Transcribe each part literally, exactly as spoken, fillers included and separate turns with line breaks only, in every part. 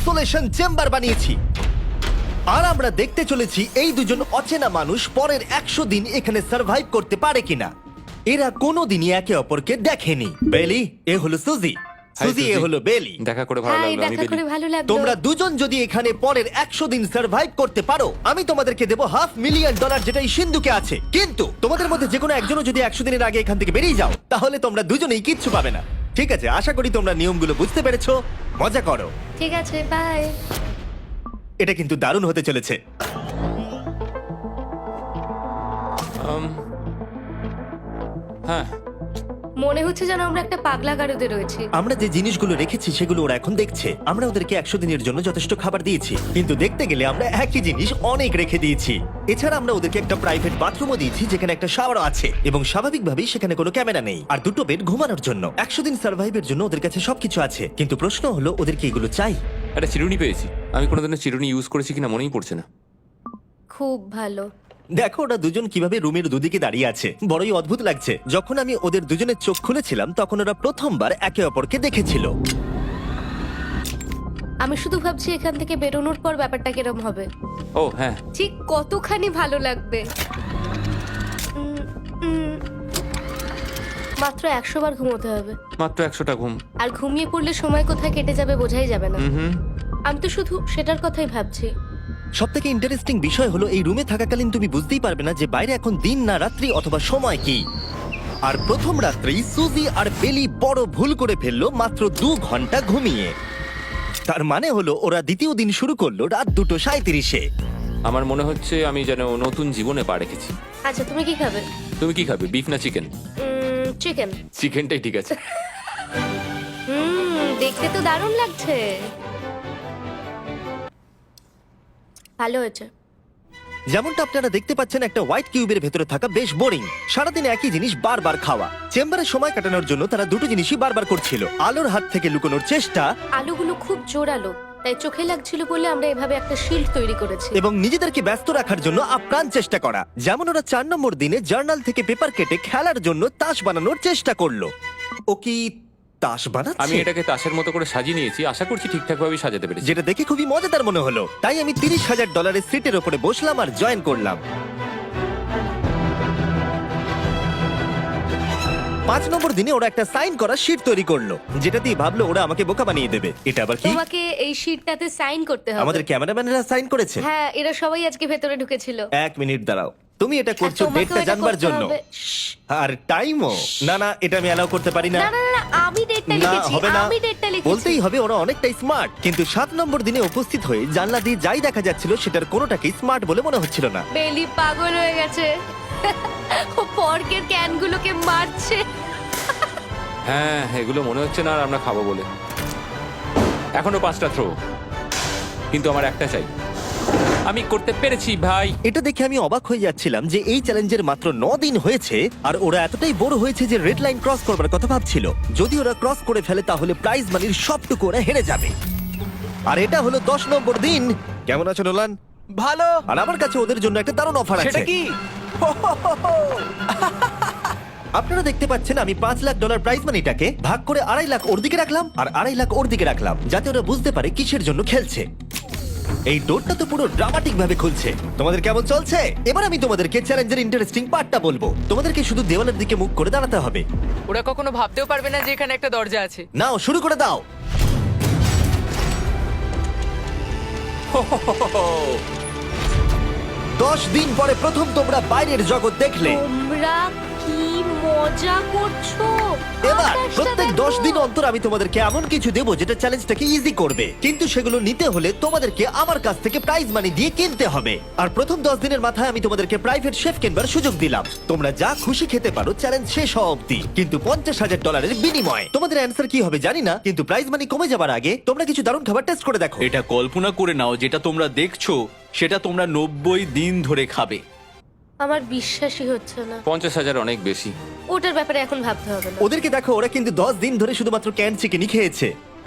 Isolation chamber বানিয়েছি। আর আমরা দেখতে চলেছি এই দুজন অচেনা মানুষ পরের একশো দিন এখানে সার্ভাইভ করতে পারে কিনা। এরা কোনোদিনই একে অপরকে দেখেনি। বেলি, এ হলো সুজি, সুজি এ
সুজি।
হলো বেলি।
দেখা করে ভালো
হাই,
লাগলো, আমি
দেখা
বেলি।
করে ভালো লাগলো।
তোমরা দুজন যদি এখানে পরের একশো দিন সার্ভাইভ করতে পারো, আমি তোমাদেরকে দেবো হাফ মিলিয়ন ডলার, যেটা এই সিন্ধুকে আছে। কিন্তু তোমাদের মধ্যে যে কোনো একজনও যদি একশো দিনের আগে এখান থেকে বেরিয়ে যাও, তাহলে তোমরা দুজনেই কিচ্ছু পাবে না। ঠিক আছে, আশা করি তোমরা নিয়মগুলো বুঝতে পেরেছো। মজা করো।
ঠিক আছে, বাই।
এটা কিন্তু দারুণ হতে চলেছে।
Um, হ্যাঁ,
মনে হচ্ছে যেন আমরা একটা পাগলা গারদে রয়েছি।
আমরা যে জিনিসগুলো রেখেছি সেগুলো ওরা এখন দেখছে। আমরা ওদেরকে একশো দিনের জন্য যথেষ্ট খাবার দিয়েছি, কিন্তু দেখতে গেলে আমরা একই জিনিস অনেক রেখে দিয়েছি। এছাড়া আমরা ওদেরকে একটা প্রাইভেট বাথরুমও দিয়েছি, যেখানে একটা শাওয়ারও আছে, এবং স্বাভাবিকভাবেই সেখানে কোনো ক্যামেরা নেই, আর দুটো বেড ঘুমানোর জন্য। একশো দিন সার্ভাইভের জন্য ওদের কাছে সবকিছু আছে, কিন্তু প্রশ্ন হলো ওদেরকে এগুলো চাই।
একটা চিরুনি পেয়েছি। আমি কোনোদিনও চিরুনি ইউজ করেছি কিনা মনেই পড়ছে না।
খুব ভালো।
দেখো ওরা দুজন কিভাবে রুমের দুদিকে দাঁড়িয়ে আছে, বড়ই অদ্ভুত লাগছে। যখন আমি ওদের দুজনের চোখ খুলেছিলাম তখন ওরা প্রথমবার একে অপরকে দেখেছিল।
আমি শুধু ভাবছি এখান থেকে বেরোনোর পর ব্যাপারটা কিরম হবে।
ও হ্যাঁ,
ঠিক কতখানি ভালো লাগবে। উম, উম, মাত্র একশো বার ঘুমোতে হবে,
মাত্র একশোটা ঘুম।
আর ঘুমিয়ে পড়লে সময় কোথায় কেটে যাবে বোঝাই যাবে না।
হুম হুম।
আমি তো শুধু সেটার কথাই ভাবছি।
সব থেকে ইন্টারেস্টিং বিষয় হলো এই রুমে থাকাকালীন তুমি বুঝতেই পারবে না যে বাইরে এখন দিন না রাত্রি অথবা সময় কি। আর প্রথম রাত্রেই সুজি আর বেলি বড় ভুল করে ফেললো মাত্র দু ঘন্টা ঘুমিয়ে। তার মানে হলো ওরা দ্বিতীয় দিন শুরু করলো রাত দুটো সাঁইত্রিশে।
আমার মনে হচ্ছে আমি যেন নতুন জীবনে পা রেখেছি।
আচ্ছা, তুমি কি খাবে?
তুমি কি খাবে, বিফ না চিকেন?
চিকেন।
চিকেনটাই ঠিক আছে।
হুম, দেখতে তো দারুণ লাগছে। ভালো হয়েছে।
যেমনটা আপনারা দেখতে পাচ্ছেন, একটা হোয়াইট কিউবের ভেতরে থাকা বেশ বোরিং। সারাদিন একই জিনিস বারবার খাওয়া। চেম্বারে সময় কাটানোর জন্য তারা দুটো জিনিসই বারবার করছিল: আলোর হাত থেকে লুকোনোর চেষ্টা
আলুগুলো খুব জোরালো, তাই চোখে লাগছিল বলে আমরা এভাবে একটা শিল্ড তৈরি করেছি।
এবং নিজেদেরকে ব্যস্ত রাখার জন্য আপ্রাণ চেষ্টা করা। যেমন ওরা চার নম্বর দিনে জার্নাল থেকে পেপার কেটে খেলার জন্য তাস বানানোর চেষ্টা করলো। ও কি তাস বানাচ্ছে?
আমি এটাকে তাসের মতো করে সাজিয়ে নিয়েছি, আশা করছি ঠিকঠাক ভাবে সাজাতে পেরেছি।
যেটা দেখে খুবই মজাদার মনে হলো, তাই আমি তিরিশ হাজার ডলারের সিটের ওপরে বসলাম আর জয়েন করলাম। পাঁচ নম্বর দিনে ওরা একটা সাইন করা শিট তৈরি করলো, যেটা দিয়ে ভাবলো ওরা আমাকে বোকা বানিয়ে দেবে। এটা আবার কি?
তোমাকে এই শিটটাতে সাইন করতে হবে।
আমাদের ক্যামেরাম্যানেরা সাইন করেছে।
হ্যাঁ, এরা সবাই আজকে ভেতরে ঢুকেছিল।
এক মিনিট দাঁড়াও, তুমি এটা
আর
করছো
তোমাকেও
ডেটটা
এটা
জানবার
করতে
জন্য,
হবে। শ্শ্।
আর টাইমও। না না, এটা আমি অ্যালাউ করতে পারি না।
না না না, না, আমি ডেটটা
না,
লিখেছি।
হবে না।
আমি ডেটটা লিখেছি।
বলতেই হবে ওরা অনেকটাই স্মার্ট, কিন্তু সাত নম্বর দিনে উপস্থিত হয়ে জানলা দিয়ে যাই দেখা যাচ্ছিল সেটার কোনোটাকেই স্মার্ট বলে মনে হচ্ছিল না।
বেলি পাগল হয়ে গেছে। ও পর্কের ক্যানগুলোকে মারছে।
হ্যাঁ, এগুলো মনে হচ্ছে না আর আমরা খাবো বলে। এখনো পাঁচটা থ্রো, কিন্তু আমার একটা চাই। আমি করতে পেরেছি ভাই।
এটা দেখে আমি অবাক হয়ে যাচ্ছিলাম যে এই চ্যালেঞ্জের মাত্র ন দিন হয়েছে আর ওরা এতটাই বড় হয়েছে যে রেড লাইন ক্রস করবার কথা ভাবছিল। যদি ওরা ক্রস করে ফেলে তাহলে প্রাইজ মানির সবটুকু ওরা হেরে যাবে। আর এটা হলো দশ নম্বর দিন। কেমন আছো নোলান?
ভালো।
আর আমার কাছে ওদের জন্য একটা দারুণ অফার
সেটা
আছে।
কি?
আপনারা দেখতে পাচ্ছেন আমি পাঁচ লাখ ডলার প্রাইজ মানিটাকে ভাগ করে আড়াই লাখ ওর দিকে রাখলাম আর আড়াই লাখ ওর দিকে রাখলাম, যাতে ওরা বুঝতে পারে কিসের জন্য খেলছে। এই ডোরটা তো পুরো ড্রামাটিক ভাবে খুলছে। তোমাদের কেমন চলছে? এবার আমি তোমাদেরকে চ্যালেঞ্জের ইন্টারেস্টিং পার্টটা বলবো। তোমাদেরকে শুধু দেওয়ালের দিকে মুখ করে দাঁড়াতে হবে।
ওরা কখনো ভাবতেও পারবে না যে এখানে একটা দরজা আছে।
নাও শুরু করে দাও। দশ দিন পরে প্রথম তোমরা বাইরের জগৎ দেখলে।
তোমরা কি মজা করছো?
এবার
আকাশটা
প্রত্যেক
দেখো।
দশ দিন অন্তর আমি তোমাদেরকে এমন কিছু দেবো যেটা চ্যালেঞ্জটাকে ইজি করবে, কিন্তু সেগুলো নিতে হলে তোমাদেরকে আমার কাছ থেকে প্রাইজ মানি দিয়ে কিনতে হবে। আর প্রথম দশ দিনের মাথায় আমি তোমাদেরকে প্রাইভেট শেফ কিনবার সুযোগ দিলাম। তোমরা যা খুশি খেতে পারো চ্যালেঞ্জ শেষ হওয়া অব্দি, কিন্তু পঞ্চাশ হাজার ডলারের বিনিময়। তোমাদের অ্যান্সার কি হবে জানি না, কিন্তু প্রাইজ মানি কমে যাবার আগে তোমরা কিছু দারুণ খাবার টেস্ট করে দেখো।
এটা কল্পনা করে নাও, যেটা তোমরা দেখছো সেটা তোমরা নব্বই দিন ধরে খাবে।
আমার বিশ্বাসই হচ্ছে না।
পঞ্চাশ হাজার অনেক বেশি।
ওটার ব্যাপারে এখন ভাবতে হবে না।
ওদেরকে দেখো, ওরা কিন্তু দশ দিন ধরে শুধুমাত্র ক্যান চিকেনই খেয়েছে।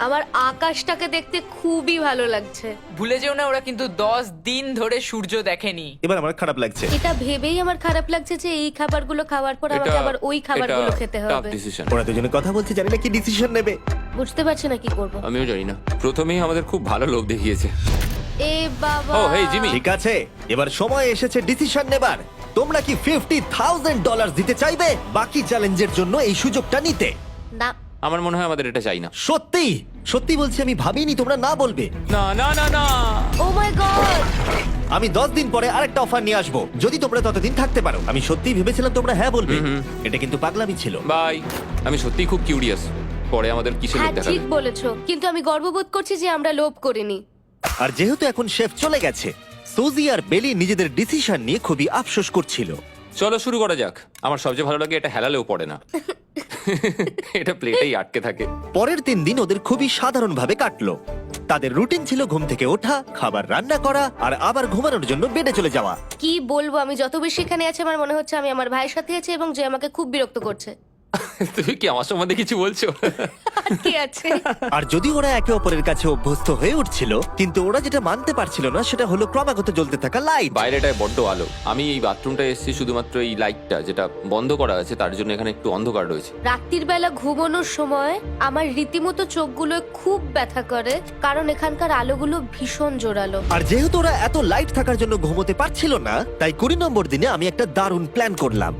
আমার আকাশটাকে দেখতে খুবই ভালো লাগছে।
ভুলে যেও না ওরা কিন্তু দশ দিন ধরে সূর্য দেখেনি।
এবার আমার খারাপ লাগছে।
এটা ভেবেই আমার খারাপ লাগছে যে এই খাবারগুলো খাওয়ার পর আমাকে আবার ওই খাবারগুলো খেতে হবে।
ডিসিশন।
ওরা দুজনে কথা বলছে, জানি না কি ডিসিশন নেবে।
বুঝতে পারছি না কি করব।
আমিও জানি না। প্রথমেই আমাদের খুব ভালো লোভ দেখিয়েছে।
এ বাবা।
Oh hey Jimmy.
ঠিক আছে, এবার সময় এসেছে ডিসিশন নেবার। তোমরা কি ফিফটি থাউজেন্ড ডলার দিতে চাইবে বাকি চ্যালেঞ্জের জন্য এই সুযোগটা নিতে?
না।
আমার মনে হয় আমাদের এটা চাই না।
সত্যি সত্যি বলছি, আমি ভাবিনি তোমরা না বলবে।
না না না না।
Oh my god.
আমি দশ দিন পরে আরেকটা অফার নিয়ে আসবো, যদি তোমরা ততদিন থাকতে পারো। আমি সত্যিই ভেবেছিলাম তোমরা হ্যাঁ বলবে। এটা কিন্তু পাগলামি ছিল।
বাই। আমি সত্যিই খুব কিউরিয়াস, পরে আমাদের কিসের
হ্যাঁ
লোভ দেখাবে।
ঠিক বলেছো, কিন্তু আমি গর্ববোধ করছি যে আমরা লোভ করিনি।
আর যেহেতু এখন শেফ চলে গেছে, সুজি আর বেলি নিজেদের ডিসিশন নিয়ে খুবই আফসোস করছিল।
চলো শুরু করা যাক। আমার সবচেয়ে ভালো লাগে এটা হেলালেও পড়ে না। এটা প্লেটেই আটকে থাকে।
পরের তিন দিন ওদের খুবই সাধারণভাবে কাটলো। তাদের রুটিন ছিল ঘুম থেকে ওঠা, খাবার রান্না করা আর আবার ঘুমানোর জন্য বেডে চলে যাওয়া।
কি বলবো, আমি যত বেশি এখানে আছি আমার মনে হচ্ছে আমি আমার ভাইয়ের সাথে আছি এবং যে আমাকে খুব বিরক্ত করছে।
তুমি কি আমার সম্বন্ধে কিছু বলছো?
আর কি আছে?
আর যদি ওরা একে অপরের কাছে অভ্যস্ত হয়ে উঠছিল, কিন্তু ওরা যেটা মানতে পারছিল না সেটা হলো ক্রমাগত জ্বলতে থাকা লাইট।
বাইরেটায় বড্ড আলো। আমি এই বাথরুমটা এসেছি শুধুমাত্র এই লাইটটা যেটা বন্ধ করা আছে তার জন্য এখানে একটু অন্ধকার রয়েছে।
রাত্রির বেলা ঘুমানোর সময় আমার রীতিমতো চোখগুলো খুব ব্যথা করে, কারণ এখানকার আলোগুলো ভীষণ জোরালো।
আর যেহেতু ওরা এত লাইট থাকার জন্য ঘুমোতে পারছিল না, তাই কুড়ি নম্বর দিনে আমি একটা দারুণ প্ল্যান করলাম।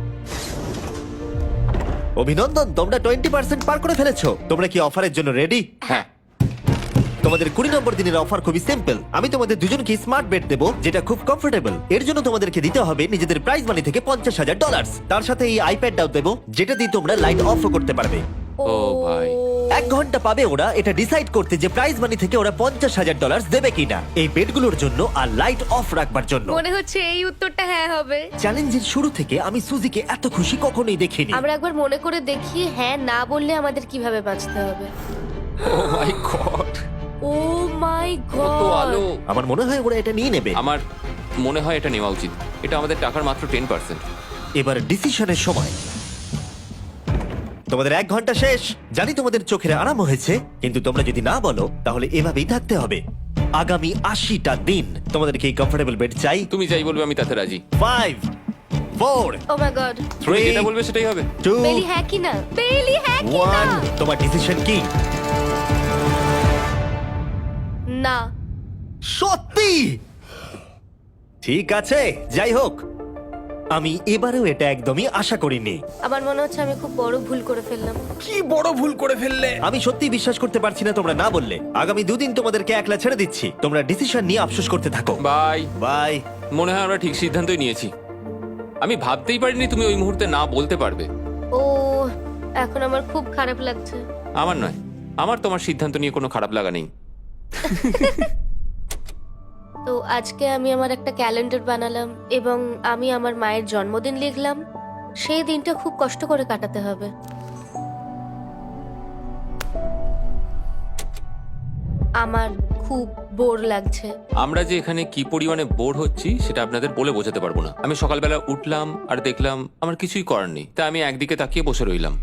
অভিনন্দন, তোমরা টোয়েন্টি পার্সেন্ট পার করে ফেলেছো। তোমরা কি অফারের জন্য রেডি?
হ্যাঁ।
তোমাদের কুড়ি নম্বর দিনের অফার খুবই সিম্পল। আমি তোমাদের দুজনকে স্মার্ট বেড দেবো, যেটা খুব কমফোর্টেবল। এর জন্য তোমাদেরকে দিতে হবে নিজেদের প্রাইজ মানি থেকে পঞ্চাশ হাজার ডলার। তার সাথে এই আইপ্যাডটাও দেবো, যেটা দিয়ে তোমরা লাইট অফও করতে পারবে।
ও ভাই।
এক ঘন্টা পাবে ওরা এটা ডিসাইড করতে যে প্রাইজ মানি থেকে ওরা পঞ্চাশ হাজার ডলার দেবে কিনা এই বেডগুলোর জন্য আর লাইট অফ রাখবার জন্য।
মনে হচ্ছে এই উত্তরটা হ্যাঁ হবে।
চ্যালেঞ্জের শুরু থেকে আমি সুজিকে এত খুশি কখনোই দেখিনি।
আমরা একবার মনে করে দেখি হ্যাঁ না বললে আমাদের কিভাবে বাঁচতে হবে।
ও মাই গড।
ও মাই
কত
গড।
আলো।
আমার মনে হয় ওরা এটা নিয়ে নেবে।
আমার মনে হয় এটা নেওয়া উচিত। এটা আমাদের টাকার মাত্র টেন পার্সেন্ট।
এবার ডিসিশনের সময়। তোমাদের এক ঘন্টা শেষ। জানি তোমাদের চোখের আরাম হয়েছে, কিন্তু তোমরা যদি না বলো তাহলে এভাবেই থাকতে হবে আগামী আশিটা দিন। তোমাদেরকে এই কমফোর্টেবল বেড চাই।
তুমি যাই বলবে আমি তাতে রাজি।
Five, four,
oh my god.
তুমি
থ্রি,
যেটা বলবে সেটাই হবে।
টু,
বেলি হ্যাঁ কি না? বেলি হ্যাঁ কি না?
ওয়ান। তোমার ডিসিশন কি?
না।
সত্যি? ঠিক আছে, যাই হোক, আমি এবারেও এটা একদমই আশা করিনি।
আমার মনে হচ্ছে আমি খুব বড় ভুল করে ফেললাম।
কি বড় ভুল করে ফেললে।
আমি সত্যি বিশ্বাস করতে পারছি না তোমরা না বললে। আগামী দুদিন তোমাদেরকে একলা ছেড়ে দিচ্ছি। তোমরা ডিসিশন নিয়ে আফসোস করতে থাকো।
বাই।
বাই।
মনে হয় আমরা ঠিক সিদ্ধান্তই নিয়েছি। আমি ভাবতেই পারিনি তুমি ওই মুহূর্তে না বলতে পারবে।
ও এখন আমার খুব খারাপ লাগছে।
আমার নয়, আমার তোমার সিদ্ধান্ত নিয়ে কোনো খারাপ লাগা নেই।
তো আজকে আমি আমার একটা ক্যালেন্ডার বানালাম এবং আমি আমার মায়ের জন্মদিন লিখলাম। সেই দিনটা খুব কষ্ট করে কাটাতে হবে। আমার খুব বোর লাগছে।
আমরা যে এখানে কি পরিমাণে বোর হচ্ছি সেটা আপনাদের বলে বোঝাতে পারবো না। আমি সকালবেলা উঠলাম আর দেখলাম আমার কিছুই করার নেই, তাই আমি একদিকে তাকিয়ে বসে রইলাম।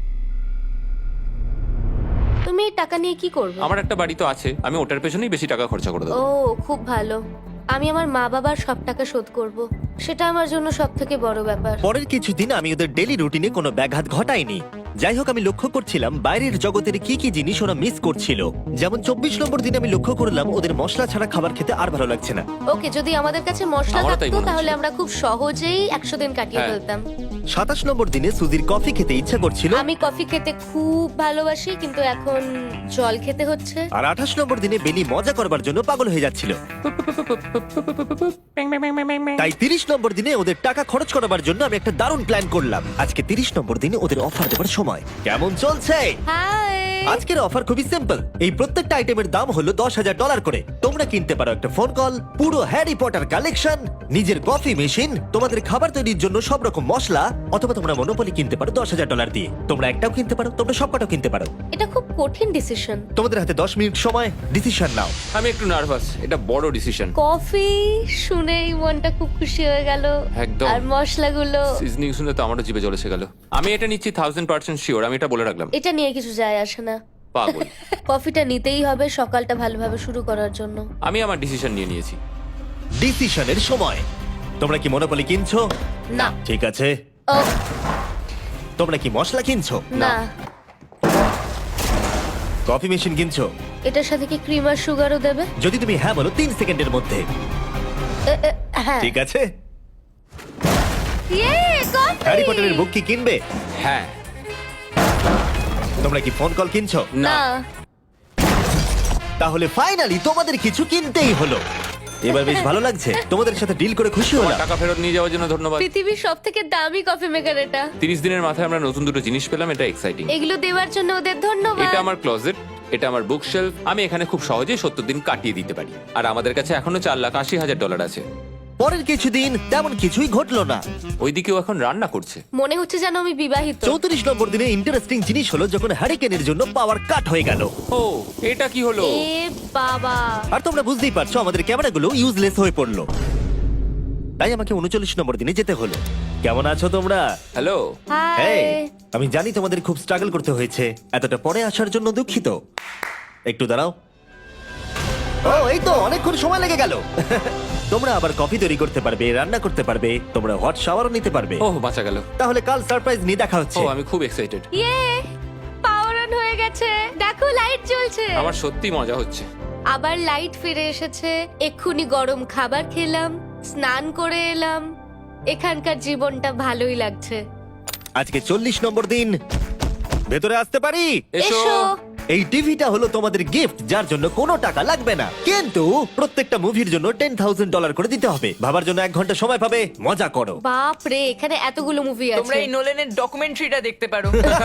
তুমি এই টাকা নিয়ে কি করবে?
আমার একটা বাড়ি তো আছে, আমি ওটার পেছনেই বেশি টাকা খরচা করে
ও
দেবো।
খুব ভালো। আমি আমার মা বাবার সব টাকা শোধ করব। সেটা আমার জন্য সব থেকে বড় ব্যাপার।
পরের কিছুদিন আমি ওদের ডেলি রুটিনে কোনো ব্যাঘাত ঘটাইনি। যাই হোক, আমি লক্ষ্য করছিলাম বাইরের জগতের কি কি জিনিস ওরা মিস করছিল। যেমন চব্বিশ নম্বর দিনে আমি লক্ষ্য করলাম ওদের মশলা ছাড়া খাবার খেতে আর ভালো লাগছে না।
ওকে, যদি আমাদের কাছে মশলা
আমারও তাই
থাকতো
মনে হচ্ছে।
তাহলে আমরা খুব সহজেই একশো দিন কাটিয়ে
হ্যাঁ।
ফেলতাম।
সাতাশ নম্বর দিনে সুজির কফি খেতে ইচ্ছা করছিল,
আমি কফি খেতে খুব ভালোবাসি, কিন্তু এখন জল খেতে হচ্ছে।
আর আঠাশ নম্বর দিনে বেলি মজা করবার জন্য পাগল হয়ে যাচ্ছিল। তাই তিরিশ নম্বর দিনে ওদের টাকা খরচ করাবার জন্য আমি একটা দারুণ প্ল্যান করলাম। আজকে তিরিশ নম্বর দিনে ওদের অফার দেবার সময়। কেমন চলছে?
হাই।
আজকের অফার খুবই সিম্পল। এই প্রত্যেকটা আইটেমের দাম হলো দশ হাজার ডলার করে। তোমরা কিনতে পারো একটা ফোন কল, পুরো হ্যারি পটার কালেকশন, নিজের কফি মেশিন, তোমাদের খাবার তৈরির জন্য সব রকম মশলা, অথবা তোমরা মনোপলি কিনতে পারো দশ হাজার ডলার দিয়ে। তোমরা একটাও কিনতে পারো, তোমরা সবকটাও কিনতে পারো।
এটা খুব কঠিন ডিসিশন।
তোমাদের হাতে দশ মিনিট সময়, ডিসিশন নাও।
আমি একটু নার্ভাস, এটা বড় ডিসিশন।
কফি শুনেই মনটা খুব খুশি হয়ে গেল।
একদম।
আর মশলাগুলো,
সিজনিং শুনে তো আমারও জিভে জল এসে গেল। আমি এটা নিচ্ছি থাউজেন্ড পার্সেন্ট শিওর, আমি এটা বলে রাখলাম।
এটা নিয়ে কিছু যায় আসে না।
পাগল।
কফিটা নিতেই হবে সকালটা ভালোভাবে শুরু করার জন্য।
আমি আমার ডিসিশন নিয়ে নিয়েছি।
ডিসিশনের সময়। তোমরা কি মনোপলি কিনছো?
না।
ঠিক আছে।
ও
তোমরা কি মশলা কিনছো?
না,
কফি মেশিন কিনছো?
এটার সাথে কি ক্রিম আর সুগারও দেবে?
যদি তুমি হ্যাঁ বলো তিন সেকেন্ডের মধ্যে।
এ, এ, হ্যাঁ।
ঠিক আছে।
ইয়ে, কফি!
হ্যারি পটারের বুক কি কিনবে?
হ্যাঁ।
তোমরা কি ফোন কল কিনছো?
না।
তাহলে ফাইনালি তোমাদের কিছু কিনতেই হলো। এবার বেশ ভালো লাগছে। তোমাদের সাথে ডিল করে খুশি
আমার
হলাম।
টাকা ফেরত নিয়ে যাওয়ার জন্য ধন্যবাদ।
পৃথিবীর সব থেকে দামি কফি মেকার এটা।
তিরিশ দিনের মাথায় আমরা নতুন দুটো জিনিস পেলাম, এটা এক্সাইটিং।
এগুলো দেওয়ার জন্য ওদের ধন্যবাদ।
এটা আমার ক্লোজেট, এটা আমার বুকশেলফ। আমি এখানে খুব সহজেই সত্তর দিন কাটিয়ে দিতে পারি। আর আমাদের কাছে এখনো চার লাখ আশি হাজার ডলার আছে।
পরের কিছুদিন তেমন কিছুই ঘটলো না।
ওইদিকেও এখন রান্না করছে।
মনে হচ্ছে যেন আমি বিবাহিত।
চৌত্রিশ নম্বর দিনে ইন্টারেস্টিং জিনিস হলো যখন হ্যারিকেনের জন্য পাওয়ার কাট হয়ে গেল।
ও, এটা কি হলো?
এ বাবা!
আর তোমরা বুঝতেই পারছো আমাদের ক্যামেরাগুলো ইউজলেস হয়ে পড়লো। তাই আমাকে উনচল্লিশ নম্বর দিনে যেতে হলো। কেমন আছো তোমরা?
হ্যালো।
হাই।
এই, আমি জানি তোমাদের খুব স্ট্রাগল করতে হয়েছে। এতটা পরে আসার জন্য দুঃখিত। একটু দাঁড়াও। ও, এই তো অনেকক্ষণ সময় লেগে গেল। তোমরা আবার কফি তৈরি করতে পারবে, রান্না করতে পারবে, তোমরা হট শাওয়ারও নিতে পারবে।
ওহ, বাঁচা গেল।
তাহলে কাল সারপ্রাইজ নিয়ে দেখা
ও,
হচ্ছে।
আমি খুব এক্সাইটেড।
ইয়ে! পাওয়ার অন হয়ে গেছে। দেখো লাইট জ্বলছে।
আমার সত্যি মজা হচ্ছে।
আবার লাইট ফিরে এসেছে। এক্ষুনি গরম খাবার খেলাম, স্নান করে এলাম। এখানকার জীবনটা ভালোই লাগছে।
আজকে চল্লিশ নম্বর দিন। ভেতরে আসতে পারি?
এসো।
এসো।
এই টিভিটা হলো তোমাদের গিফট, যার জন্য কোনো টাকা লাগবে না, কিন্তু প্রত্যেকটা মুভির জন্য টেন থাউজেন্ড ডলার করে দিতে হবে। ভাবার জন্য এক ঘন্টা সময় পাবে। মজা করো।
বাপ রে, এখানে এতগুলো মুভি
তোমরা
আছে।
এই নোলেনের ডকুমেন্টারিটা দেখতে পারো।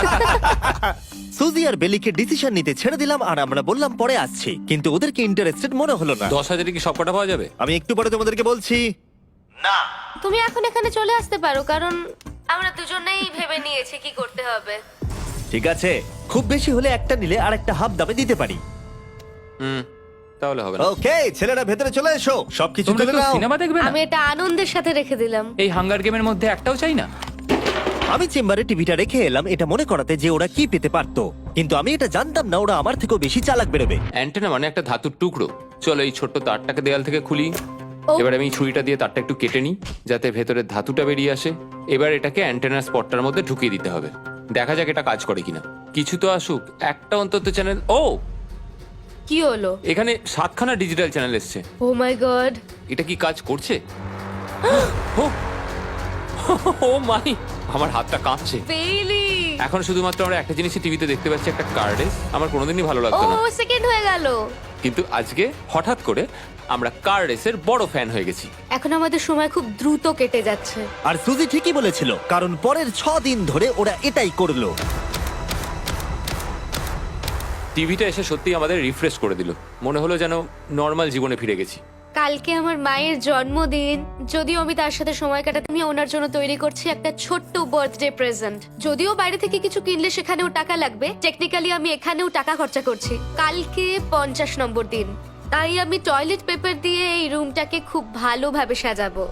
সুজি আর বেলিকে ডিসিশন নিতে ছেড়ে দিলাম আর আমরা বললাম পরে আসছি, কিন্তু ওদেরকে ইন্টারেস্টেড মনে হলো না।
দশ হাজারে কি সব কটা পাওয়া যাবে?
আমি একটু পরে তোমাদেরকে বলছি। না,
তুমি এখন এখানে চলে আসতে পারো, কারণ আমরা দুজনেই ভেবে নিয়েছি কি করতে হবে।
ঠিক আছে, খুব বেশি হলে একটা নিলে আর একটা হাফ দামে দিতে পারি।
হুম, তাহলে হবে না।
ওকে, ছেলেরা ভেতরে চলে এসো, সবকিছু
তোমরা
তুলে
কেউ
নাও।
সিনেমা দেখবে না?
আমি এটা আনন্দের সাথে রেখে দিলাম।
এই হাঙ্গার গেমের মধ্যে একটাও চাই না।
আমি চেম্বারে টিভিটা রেখে এলাম এটা মনে করাতে যে ওরা কি পেতে পারতো, কিন্তু আমি এটা জানতাম না ওরা আমার থেকেও বেশি চালাক বেরোবে।
অ্যান্টেনা মানে একটা ধাতুর টুকরো। চলো এই ছোট্ট তারটাকে দেয়াল থেকে খুলি।
ও।
এবার আমি ছুরিটা দিয়ে তারটা একটু কেটে নিই যাতে ভেতরের ধাতুটা বেরিয়ে আসে। এবার এটাকে অ্যান্টেনার স্পটটার মধ্যে ঢুকিয়ে দিতে হবে। দেখা যাক এটা কাজ করে কিনা। কিছু তো আসুক, একটা অন্তত চ্যানেল। ও,
কি হলো?
এখানে সাতখানা ডিজিটাল চ্যানেল এসছে।
Oh my god!
এটা কি কাজ করছে? ও, ও মাই, আমার হাতটা কাঁপছে।
বেইলি!
এখন শুধুমাত্র আমরা একটা জিনিসই টিভিতে দেখতে পাচ্ছি, একটা কার্ডে। আমার কোনোদিনই ভালো
ও
লাগতো না,
সেকেন্ড হয়ে গেল।
কিন্তু আজকে হঠাৎ করে আমরা কার রেসের বড় ফ্যান হয়ে গেছি।
এখন আমাদের সময় খুব দ্রুত কেটে যাচ্ছে।
আর সুজি ঠিকই বলেছিল, কারণ পরের ছ দিন ধরে ওরা এটাই করলো।
টিভিটা এসে সত্যি আমাদের রিফ্রেশ করে দিল। মনে হলো যেন নর্মাল জীবনে ফিরে গেছি।
কালকে আমার মায়ের জন্মদিন। যদিও আমি তার সাথে সময় কাটাতে আমি ওনার জন্য তৈরি করছি একটা ছোট্ট বার্থডে প্রেজেন্ট। যদিও বাইরে থেকে কিছু কিনলে সেখানেও টাকা লাগবে, টেকনিক্যালি আমি এখানেও টাকা খরচা করছি। কালকে পঞ্চাশ নম্বর দিন, তাই আমি টয়লেট পেপার দিয়ে এই রুমটাকে খুব ভালোভাবে সাজাবো।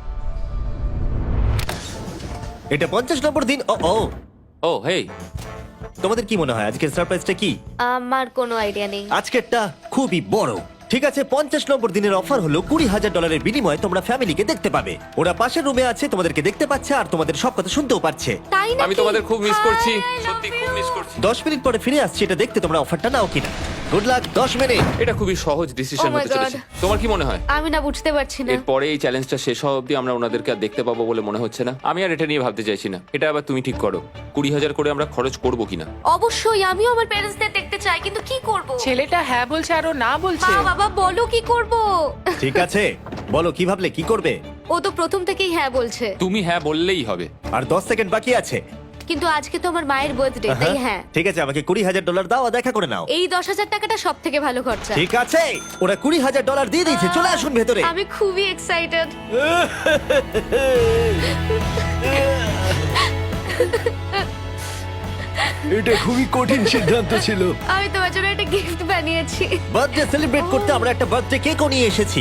এটা পঞ্চাশ নম্বর দিন। ও ও
ও হেই,
তোমাদের কি মনে হয় আজকের সারপ্রাইজটা কি?
আমার কোনো আইডিয়া নেই।
আজকেরটা খুবই বড়। ঠিক আছে, পঞ্চাশ নম্বর দিনের অফার হলো কুড়ি হাজার ডলারের বিনিময়ে তোমরা ফ্যামিলিকে দেখতে পাবে। ওরা পাশের রুমে আছে, তোমাদেরকে দেখতে পাচ্ছে আর তোমাদের সব কথা শুনতেও পাচ্ছে।
তাই না?
আমি তোমাদের খুব মিস করছি, সত্যি খুব মিস করছি।
দশ মিনিট পরে ফিরে আসছি এটা দেখতে তোমরা অফারটা নাও কিনা। Good luck. দশ মিনিট।
এটা খুবই সহজ ডিসিশন
Oh my
হতে চলেছে।
God.
তোমার কি মনে হয়?
আমি না বুঝতে পারছি না।
এরপরে এই চ্যালেঞ্জটা শেষ হওয়া অবধি আমরা ওনাদেরকে আর দেখতে পাবো বলে মনে হচ্ছে না। আমি আর এটা নিয়ে ভাবতে চাইছি না। এটা আবার তুমি ঠিক করো, কুড়ি হাজার করে আমরা খরচ করবো কিনা।
অবশ্যই আমিও আমার প্যারেন্টসদের দেখতে চাই, কিন্তু কি করব?
ছেলেটা হ্যাঁ বলছে আর ও না বলছে।
মা বাবা বলো কি করব?
ঠিক আছে, বলো কি ভাবলে, কি করবে?
ও তো প্রথম থেকেই হ্যাঁ বলছে।
তুমি হ্যাঁ বললেই হবে।
আর দশ সেকেন্ড বাকি আছে।
কিন্তু আজকে তো আমার মায়ের বার্থডে, তাই হ্যাঁ।
ঠিক আছে, আমাকে কুড়ি হাজার ডলার দাও আর দেখা করে নাও।
এই দশ হাজার টাকাটা সব থেকে ভালো খরচা।
ঠিক আছে, ওরা কুড়ি হাজার ডলার দিয়ে দিয়েছে। চলে আসুন ভেতরে।
আমি খুবই এক্সাইটেড।
এটা খুবই কঠিন সিদ্ধান্ত ছিল।
আমি তোমার জন্য একটা গিফট বানিয়েছি।
বার্থডে সেলিব্রেট করতে আমরা একটা বার্থডে কেকও নিয়ে এসেছি।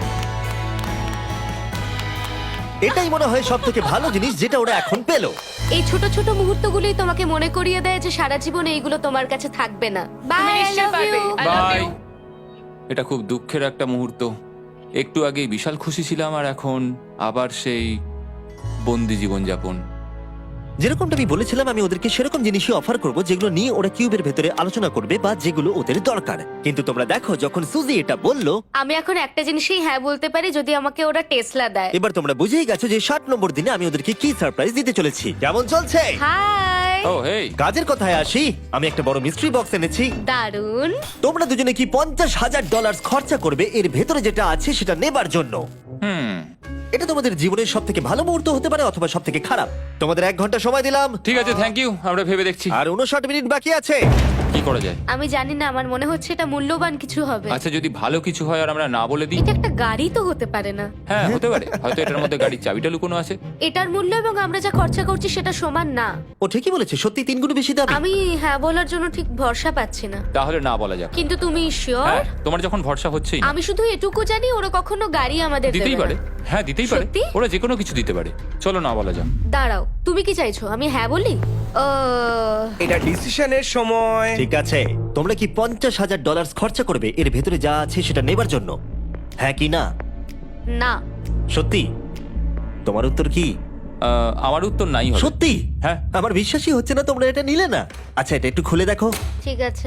এটাই মনে হয় সব থেকে ভালো জিনিস যেটা ওরা এখন পেলো।
এই ছোট ছোট মুহূর্তগুলোই তোমাকে মনে করিয়ে দেয় যে সারা জীবন এইগুলো তোমার কাছে থাকবে না। বাই, আই
নিশ্চয়ই
লাভ
পারবে।
ইউ।
I love
বাই।
you.
এটা খুব দুঃখের একটা মুহূর্ত। একটু আগেই বিশাল খুশি ছিলাম আর এখন আবার সেই বন্দি জীবনযাপন।
যেরকমটা আমি বলেছিলাম, আমি ওদেরকে সেরকম জিনিসই অফার করব যেগুলো নিয়ে ওরা কিউবের ভেতরে আলোচনা করবে বা যেগুলো ওদের দরকার। কিন্তু তোমরা দেখো, যখন সুজি এটা বললো,
আমি এখন একটা জিনিসই হ্যাঁ বলতে পারি, যদি আমাকে ওরা টেসলা দেয়।
এবার তোমরা বুঝেই গেছো যে ষাট নম্বর দিনে আমি ওদেরকে কি সারপ্রাইজ দিতে চলেছি। কেমন চলছে?
হাই,
ও হেই,
কাজের কথায় আসি, আমি একটা বড় মিস্ট্রি বক্স এনেছি।
দারুন।
তোমরা দুজনে কি পঞ্চাশ হাজার ডলার খরচা করবে এর ভেতরে যেটা আছে সেটা নেবার জন্য?
হুম,
এটা তোমাদের জীবনের সব থেকে ভালো মুহূর্ত হতে পারে অথবা সব থেকে খারাপ। তোমাদের এক ঘন্টা সময় দিলাম
ঠিক আছে, থ্যাংক ইউ। আমরা ভেবে দেখছি
আর উনষাট মিনিট বাকি আছে।
কি করা যায়।
আমি জানি না, আমার মনে হচ্ছে এটা মূল্যবান কিছু হবে।
আচ্ছা, যদি ভালো কিছু হয় আর আমরা না বলে দিই?
এটা একটা গাড়ি তো হতে পারে না?
হ্যাঁ, হতে পারে। হয়তো এটার মধ্যে গাড়ির চাবিটা লুকোনো আছে।
এটার মূল্য এবং আমরা যা খরচা করছি সেটা সমান না।
ও ঠিকই বলেছে, সত্যি তিন গুণ বেশি দাম।
আমি হ্যাঁ বলার জন্য ঠিক ভরসা পাচ্ছি না।
তাহলে না বলা যাক।
কিন্তু তুমি শিওর?
হ্যাঁ, তোমার যখন ভরসা হচ্ছেই না।
আমি শুধু এটুকু জানি, ওরা কখনো গাড়ি আমাদের
দিতেই
দেবে
পারে।
না।
হ্যাঁ, দিতেই পারে।
সত্যি?
ওরা যে কোনো কিছু দিতে পারে। চলো না বলা যাক।
দাঁড়াও, তুমি কি চাইছো আমি হ্যাঁ বলি? আহ,
এটা ডিসিশনের সময়।
ঠিক আছে, তোমরা কি পঞ্চাশ হাজার ডলার খরচা করবে এর ভেতরে যা আছে সেটা নেবার জন্য? হ্যাঁ কি না?
না।
সত্যি? তোমার উত্তর কি?
আহ, আমার উত্তর নাই হবে।
সত্যি?
হ্যাঁ।
আমার বিশ্বাসই হচ্ছে না তোমরা এটা নিলে না। আচ্ছা, এটা একটু খুলে দেখো।
ঠিক আছে।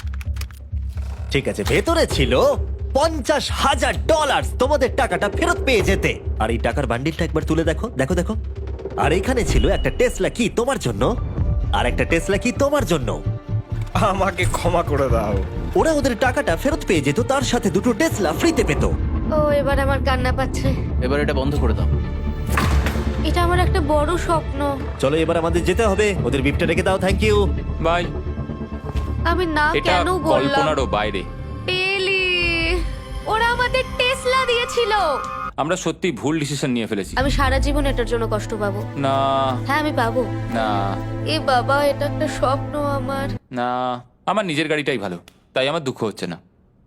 ঠিক আছে, ভেতরে ছিল পঞ্চাশ হাজার ডলার। তোমাদের টাকাটা ফেরত পেয়ে যেতে। আর এই টাকার বান্ডিলটা একবার তুলে দেখো, দেখো দেখো। আর এখানে ছিল একটা টেসলা কি তোমার জন্য, আর একটা টেসলা কি তোমার জন্য।
আমাকে ক্ষমা করে দাও।
ওরা ওদের টাকাটা ফেরত পেয়ে যেত, তার সাথে দুটো টেসলা ফ্রিতে পেত।
ও, এবার আমার কান্না পাচ্ছে।
এবার এটা বন্ধ করে দাও।
এটা আমার একটা বড় স্বপ্ন।
চলো এবার আমাদের যেতে হবে। ওদের বিপটা রেখে দাও। Thank you.
বাই।
আমি না
এটা
কেন বললাম?
কল্পনারও বাইরে।
পেলি, ওরা আমাদের টেসলা দিয়েছিল।
আমরা সত্যি ভুল ডিসিশন নিয়ে ফেলেছি।
আমি সারা জীবন এটার জন্য কষ্ট পাবো।
না
হ্যাঁ, আমি পাবো।
না
এ বাবা, এটা একটা স্বপ্ন আমার।
না, আমার নিজের গাড়িটাই ভালো, তাই আমার দুঃখ হচ্ছে না।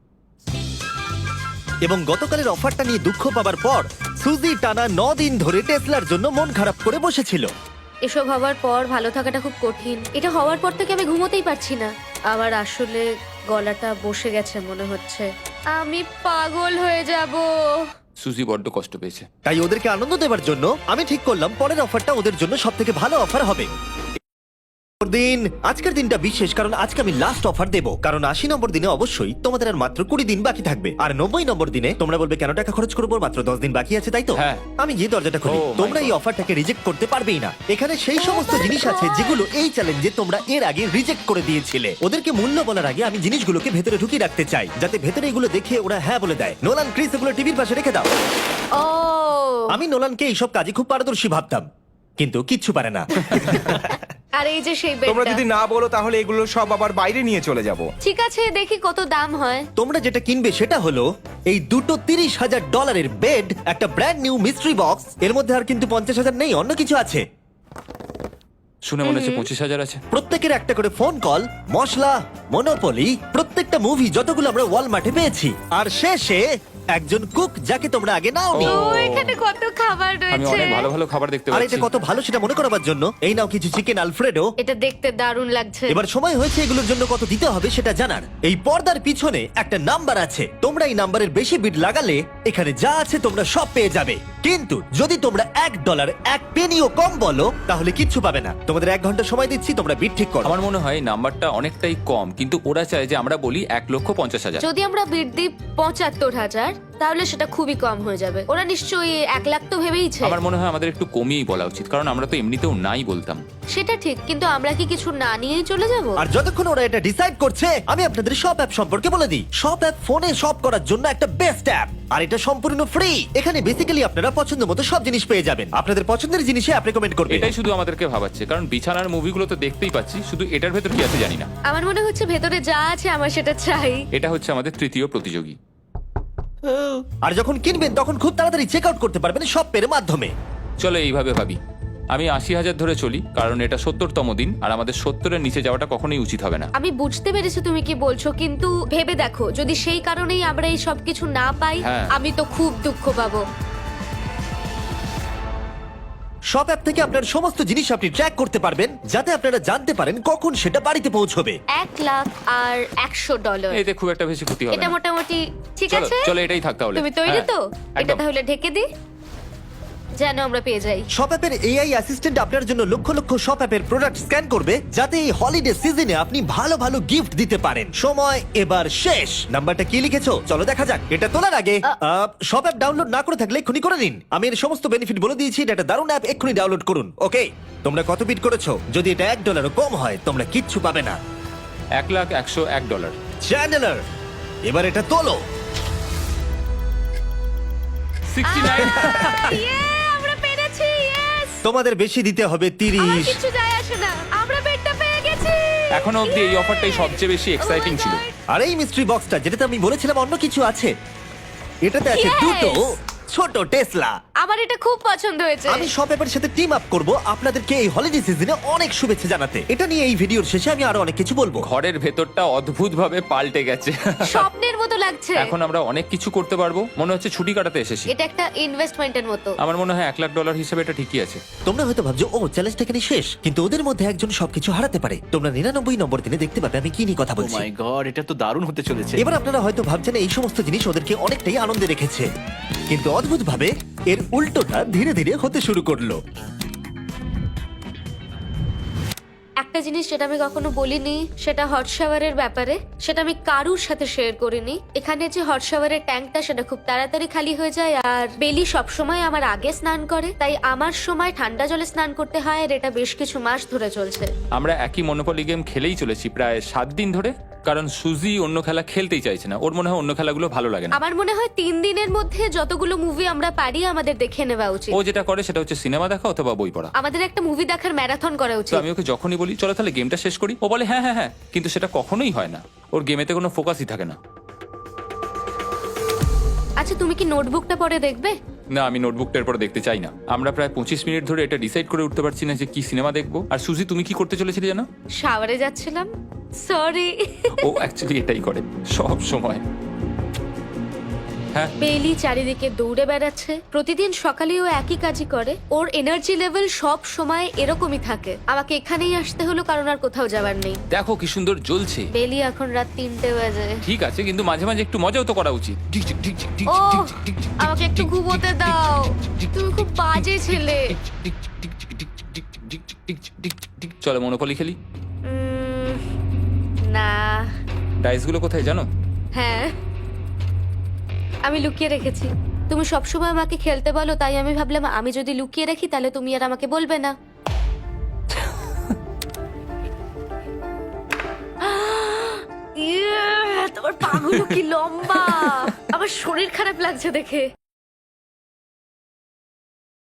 এবং গতকালের অফারটা নিয়ে দুঃখ পাবার পর সুজি টানা ন দিন ধরে টেসলার জন্য মন খারাপ করে বসেছিল।
এসব হওয়ার পর ভালো থাকাটা খুব কঠিন। এটা হওয়ার পর থেকে আমি ঘুমোতেই পারছি না। আমার আসলে গলাটা বসে গেছে মনে হচ্ছে। আমি পাগল হয়ে যাব।
সুজি বড্ড কষ্ট পেয়েছে।
তাই ওদেরকে আনন্দ দেওয়ার জন্য আমি ঠিক করলাম পরের অফারটা ওদের জন্য সব থেকে ভালো অফার হবে। দিন আজকের দিনটা বিশেষ, কারণ আজকে আমি লাস্ট অফার দেবো। কারণ আশি নম্বর দিনে অবশ্যই তোমাদের আর মাত্র কুড়ি দিন বাকি থাকবে, আর নব্বই নম্বর দিনে তোমরা বলবে কেন টাকা খরচ করবো, মাত্র দশ দিন বাকি আছে, তাই তো?
হ্যাঁ।
আমি গিয়ে দরজাটা খুলি।
Oh my
তোমরা এই
God.
অফারটাকে রিজেক্ট করতে পারবেই না। এখানে সেই সমস্ত
my
জিনিস আছে
God.
যেগুলো এই চ্যালেঞ্জে তোমরা এর আগে রিজেক্ট করে দিয়েছিলে। ওদেরকে মূল্য বলার আগে আমি জিনিসগুলোকে ভেতরে ঢুকিয়ে রাখতে চাই, যাতে ভেতরে এগুলো দেখে ওরা হ্যাঁ বলে দেয়। নোলান, ক্রিস, এগুলো টিভির পাশে রেখে দাও।
ও,
আমি নোলানকে এইসব কাজে খুব পারদর্শী ভাবতাম, কিন্তু কিচ্ছু পারে না।
আর এই যে সেই
তোমরা
বেডটা।
যদি না বলো তাহলে এগুলো সব আবার বাইরে নিয়ে চলে যাব।
ঠিক আছে, দেখি কত দাম হয়।
তোমরা যেটা কিনবে সেটা হলো এই দুটো তিরিশ হাজার ডলারের বেড, একটা ব্র্যান্ড নিউ মিস্ট্রি বক্স। এর মধ্যে আর কিন্তু পঞ্চাশ হাজার নেই, অন্য কিছু আছে।
শুনে মনে হচ্ছে পঁচিশ হাজার আছে।
প্রত্যেকের একটা করে ফোন কল, মশলা, মনোপলি, প্রত্যেকটা মুভি যতগুলো আমরা ওয়ালমার্টে পেয়েছি, আর শেষে একজন কুক যাকে তোমরা আগে নাওনি।
ও।
ও, এখানে কত খাবার
আমি
রয়েছে।
অনেক ভালো ভালো খাবার দেখতে
আর
পাচ্ছি।
এটা কত ভালো সেটা মনে করাবার জন্য এই নাও কিছু চিকেন আলফ্রেডো।
এটা দেখতে দারুণ লাগছে।
এবার সময় হয়েছে এগুলোর জন্য কত দিতে হবে সেটা জানার। এই পর্দার পিছনে একটা নাম্বার আছে, তোমরা এই নাম্বারের বেশি বিট লাগালে এখানে যা আছে তোমরা সব পেয়ে যাবে। কিন্তু যদি তোমরা এক ডলার এক পেনিও কম বলো তাহলে কিচ্ছু পাবে না। তোমাদের এক ঘন্টা সময় দিচ্ছি, তোমরা বিট ঠিক করো।
আমার মনে হয় নাম্বারটা অনেকটাই কম, কিন্তু ওরা চায় যে আমরা বলি এক লক্ষ পঞ্চাশ হাজার।
যদি আমরা বিট দিই পঁচাত্তর হাজার, তাহলে সেটা খুবই কম হয়ে যাবে। ওরা নিশ্চয়ই এক লাখ তো ভেবেইছে।
আমার মনে হয় আমাদের একটু কমিয়েই বলা উচিত, কারণ আমরা তো এমনিতেও নাই বলতাম।
সেটা ঠিক, কিন্তু আমরা কি কিছু না নিয়েই চলে যাব?
আর যতক্ষণ ওরা এটা ডিসাইড করছে, আমি আপনাদের শপ অ্যাপ সম্পর্কে বলে দিই। শপ অ্যাপ ফোনে শপ করার জন্য একটা বেস্ট অ্যাপ, আর এটা সম্পূর্ণ ফ্রি। এখানে বেসিক্যালি আপনারা পছন্দ মতো সব জিনিস পেয়ে যাবেন। আপনাদের পছন্দের জিনিসে অ্যাপ রেকমেন্ড করবে।
এটাই শুধু আমাদেরকে ভাবাচ্ছে, কারণ বিছানার মুভিগুলো তো দেখতেই পাচ্ছি, শুধু এটার ভেতর কি আছে জানি না।
আমার মনে হচ্ছে ভেতরে যা আছে আমার সেটা চাই।
এটা হচ্ছে আমাদের তৃতীয় প্রতিযোগী।
আর যখন কিনবেন তখন খুব তাড়াতাড়ি চেক আউট করতে পারবেন শপের মাধ্যমে।
চলো এইভাবে ভাবি, আমি আশি হাজার ধরে চলি, কারণ এটা সত্তরতম দিন, আর আমাদের সত্তরের নিচে যাওয়াটা কখনোই উচিত হবে না।
আমি বুঝতে পেরেছি তুমি কি বলছো, কিন্তু ভেবে দেখো যদি সেই কারণেই আমরা এই সব কিছু না পাই,
হ্যাঁ।
আমি তো খুব দুঃখ পাবো।
শপ অ্যাপ থেকে আপনার সমস্ত জিনিস আপনি ট্র্যাক করতে পারবেন, যাতে আপনারা জানতে পারেন কখন সেটা বাড়িতে পৌঁছবে।
এক লাখ আর একশো ডলার
এতে খুব একটা বেশি ক্ষতি হবে
এটা
না।
মোটামুটি ঠিক
চলো
আছে।
চলো এটাই থাক তাহলে।
তুমি তৈরি
হ্যাঁ,
তো? এটা
একদম।
তাহলে ঢেকে দি, যেন আমরা পেয়ে যাই।
শপ অ্যাপের এআই অ্যাসিস্ট্যান্ট আপনার জন্য লক্ষ লক্ষ শপ অ্যাপের প্রোডাক্ট স্ক্যান করবে, যাতে এই হলিডে সিজনে আপনি ভালো ভালো গিফট দিতে পারেন। সময় এবার শেষ। নাম্বারটা কি লিখেছো চলো দেখা যাক। এটা তোলার আগে শপ অ্যাপ ডাউনলোড না করে থাকলে এক্ষুনি করে নিন। আমি এর সমস্ত বেনিফিট বলে দিয়েছি। এটা একটা দারুণ অ্যাপ, এক্ষুনি ডাউনলোড করুন। ওকে, তোমরা কত বিট করেছো? যদি এটা এক ডলারও কম হয় তোমরা কিচ্ছু পাবে না।
এক লাখ একশো এক ডলার।
চ্যানেলার, এবার এটা তোলো।
Sixty nine.
Yeah, আমরা পেরেছি, yes!
তোমাদের বেশি দিতে হবে
আমার
তিরিশ।
কিছু যায় আসে না, আমরা বেডটা পেয়ে গেছি।
এখনো অব্দি এই অফারটাই সবচেয়ে বেশি এক্সাইটিং ছিল।
আর এই মিস্ট্রি বক্সটা, যেটাতে আমি বলেছিলাম অন্য কিছু আছে, এটাতে আছে
Yes!
দুটো ছোট টেসলা।
আমার এটা খুব পছন্দ হয়েছে।
আমি শপ অ্যাপের সাথে টিম আপ করব আপনাদেরকে এই হলিডে সিজনে অনেক শুভেচ্ছা জানাতে। এটা নিয়ে এই ভিডিওর শেষে আমি আরো অনেক কিছু বলবো।
ঘরের ভেতরটা অদ্ভুতভাবে পাল্টে গেছে।
স্বপ্নের মতো লাগছে।
এখন আমরা অনেক কিছু করতে পারবো, মনে হচ্ছে ছুটি কাটাতে এসেছি।
এটা একটা ইনভেস্টমেন্টের মতো।
আমার মনে হয় এক লাখ ডলার হিসেবে এটা ঠিকই আছে।
তোমরা হয়তো ভাবছো ও চ্যালেঞ্জটা এখানে শেষ, কিন্তু ওদের মধ্যে একজন সবকিছু হারাতে পারে। তোমরা নিরানব্বই নম্বর দিনে দেখতে পাবে আমি কি নিয়ে কথা
ও
বলছি।
মাই গড, এটা তো দারুণ হতে চলেছে।
এবার আপনারা হয়তো ভাবছেন এই সমস্ত জিনিস ওদেরকে অনেকটাই আনন্দে রেখেছে, কিন্তু অদ্ভুতভাবে এর উল্টোটা ধীরে ধীরে হতে শুরু করলো।
একটা জিনিস যেটা আমি কখনো বলিনি, সেটা হট শাওয়ারের ব্যাপারে। সেটা আমি কারুর সাথে শেয়ার করিনি। এখানে যে হট শাওয়ারের ট্যাঙ্কটা, সেটা খুব তাড়াতাড়ি খালি হয়ে যায়। আর বেলি সবসময় আমার আগে স্নান করে, তাই আমার সময় ঠান্ডা জলে স্নান করতে হয়। আর এটা বেশ কিছু মাস ধরে চলছে।
আমরা একই মনোপলি গেম খেলেই চলেছি প্রায় সাত দিন ধরে, কারণ সুজি অন্য খেলা খেলতেই চাইছে না। ওর মনে হয় অন্য খেলাগুলো ভালো লাগে না।
আমার মনে হয় তিন দিনের মধ্যে যতগুলো মুভি আমরা পারি আমাদের দেখে নেওয়া উচিত।
ও যেটা করে সেটা হচ্ছে সিনেমা দেখা অথবা বই পড়া।
আমাদের একটা মুভি দেখার ম্যারাথন করা
তো
উচিত।
আমি ওকে যখনই বলি চলো তাহলে গেমটা শেষ করি, ও বলে হ্যাঁ হ্যাঁ হ্যাঁ, কিন্তু সেটা কখনোই হয় না। ওর গেমেতে কোনো ফোকাসই থাকে না।
আচ্ছা, তুমি কি নোটবুকটা পরে দেখবে?
না, আমি নোটবুকটার পর দেখতে চাই না। আমরা প্রায় পঁচিশ মিনিট ধরে এটা ডিসাইড করে উঠতে পারছি না যে কি সিনেমা দেখবো। আর সুজি, তুমি কি করতে চলেছিলে জানো?
শাওয়ারে যাচ্ছিলাম। সরি।
ও অ্যাকচুয়ালি এটাই করে সব সময়। হ্যাঁ,
বেলি চারিদিকে দৌড়ে বেড়াচ্ছে। প্রতিদিন সকালে ও একই কাজই করে। ওর এনার্জি লেভেল সব সময় এরকমই থাকে। আমাকে এখানেই আসতে হলো, কারণ আর কোথাও যাবার নেই।
দেখো কি সুন্দর জ্বলছে।
বেলি এখন রাত তিনটে বাজে।
ঠিক আছে, কিন্তু মাঝে মাঝে একটু মজাও তো করা উচিত।
ও, আমাকে একটু ঘুমোতে দাও। তুমি খুব বাজে ছেলে।
চলো মনোপলি খেলি।
উম, না।
ডাইসগুলো কোথায় জানো?
হ্যাঁ, আমি লুকিয়ে রেখেছি। তুমি সবসময় আমাকে খেলতে বলো, তাই আমি ভাবলাম আমি যদি লুকিয়ে রাখি তাহলে তুমি আর আমাকে বলবে না। ইয়ে, তোমার পাগুলো কি লম্বা। আমার শরীর খারাপ লাগছে দেখে।